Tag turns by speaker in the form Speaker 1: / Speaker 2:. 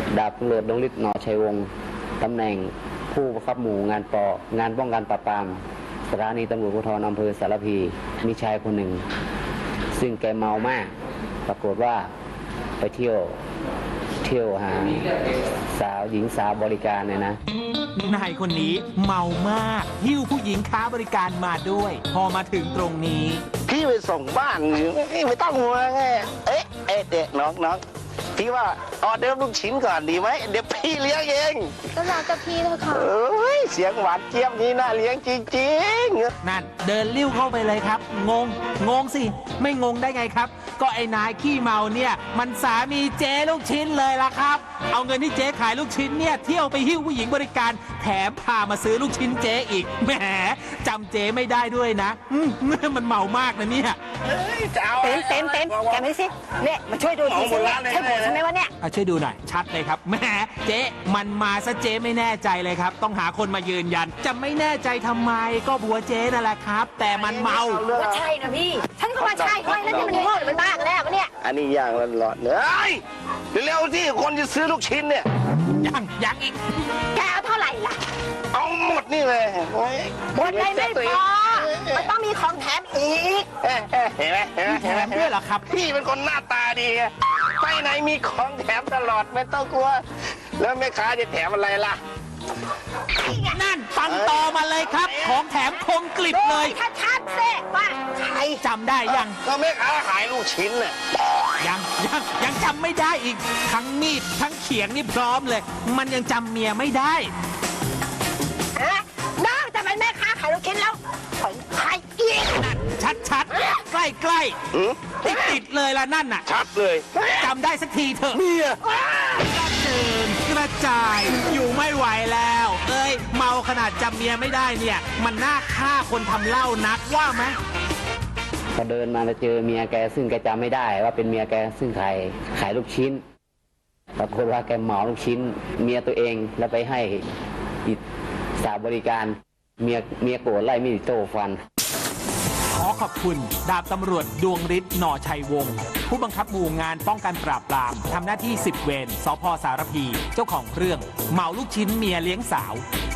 Speaker 1: ดาบตำรวจดวงฤทธิ์ หนอชัยวงศ์ตำแหน่งผู้บังคับหมู่งานป้องกันปราบปรามสถานีตำรวจภูธรอำเภอสารพี มีชายคนหนึ่งซึ่งแกเมามากปรากฏว่าไปเที่ยวหาหญิงสาวบริการเนี่ยนะ
Speaker 2: นายคนนี้เมามากหิ้วผู้หญิงค้าบริการมาด้วยพอมาถึงตรงนี้
Speaker 3: พี่ไปส่งบ้านไม่ต้องห่วงไงเด็กน้องพี่ว่าออเดิร์ฟลูกชิ้นก่อนดีไหมเดี๋ยวพี่เลี้ยงเอง
Speaker 4: ก็รอเจ้าพี่เถอะค่ะ
Speaker 3: เสียงหวานเจี๊ยบนี้น่าเลี้ยงจริง
Speaker 2: ๆนั่นเดินลิ้วเข้าไปเลยครับงงสิไม่งงได้ไงครับก็ไอ้นายขี้เมาเนี่ยมันสามีเจ๊ลูกชิ้นเลยล่ะครับเอาเงินที่เจ๊ขายลูกชิ้นเนี่ยเที่ยวไปหิ้วผู้หญิงบริการแถมพามาซื้อลูกชิ้นเจ๊อีกแหมจำเจ๊ไม่ได้ด้วยนะมันเมามากนะเนี่ย
Speaker 4: เต็มแกไม่สิเนี่ยมาช่วยดูทีสิใช่ผมใช่ไหมวะเนี่ย
Speaker 2: ช่วยดูหน่อยชัดเลยครับแหมเจ๊มันมาซะเจ๊ไม่แน่ใจเลยครับต้องหาคนมายืนยันจะไม่แน่ใจทำไมก็บัวเจ๊นั่นแหละครับแต่มันเมา
Speaker 4: ว่าใช่นะพี่ฉันก็ว่าใช่ไม่แล้วนี่มันโง่หรือมันบ้ากันแน่วะเนี่ย
Speaker 3: อันนี้ย่างร้อนๆเลยเร็วๆที่คนจะซื้อลูกชิ้นเนี่ย
Speaker 2: ยังอีก
Speaker 4: แกเอาเท่าไหร่ล่ะ
Speaker 3: เอาหมดนี่เลย
Speaker 4: หมดเลยไม่พอมันต้องมีของแถมอีก
Speaker 3: เห็นไหม
Speaker 2: แถมด้วยเหรอครับ
Speaker 3: พี่เป็นคนหน้าตาดีไปไหนมีของแถมตลอดไม่ต้องกลัวแล้วแม่ค้าจะแถมอะไรล่ะ
Speaker 2: นั่นฟังต่อมาเลยครับของแถมคมกลิบเลย
Speaker 4: ชัดเซ่ว่าใคร
Speaker 2: จำได้ยัง
Speaker 3: ก็แม่ค้าขายลูกชิ้นน่ะ
Speaker 2: ยังจำไม่ได้อีกทั้งมีดทั้งเขียงนี่พร้อมเลยมันยังจำเมียไม่ได้
Speaker 4: นอกจากเป็นแม่ค้าขายลูกชิ้นแล้วของใครอีก
Speaker 2: นั่นชัดใกล้ติดเลยละนั่นน่ะ
Speaker 3: ชัดเลย
Speaker 2: จำได้สักทีเถอะ
Speaker 3: เมีย
Speaker 2: กระเจิงกระจายอยู่ไม่ไหวแล้วเมาขนาดจำเมียไม่ได้เนี่ยมันน่าฆ่าคนทำเหล้านักว่าไหม
Speaker 1: พอเดินมาแล้วเจอเมียแกซึ่งแกจำไม่ได้ว่าเป็นเมียแกซึ่งขายลูกชิ้นปรากฏว่าแกเหมาลูกชิ้นเมียตัวเองแล้วไปให้สาวบริการเมียโกรธไล่มีดโต้ฟัน
Speaker 2: ขอขอบคุณดาบตำรวจดวงฤทธิ์ หนอชัยวงศ์ผู้บังคับหมู่งานป้องกันปราบปรามทำหน้าที่10 เวรสภ.สารพีเจ้าของเรื่องเมาลูกชิ้นเมียเลี้ยงสาว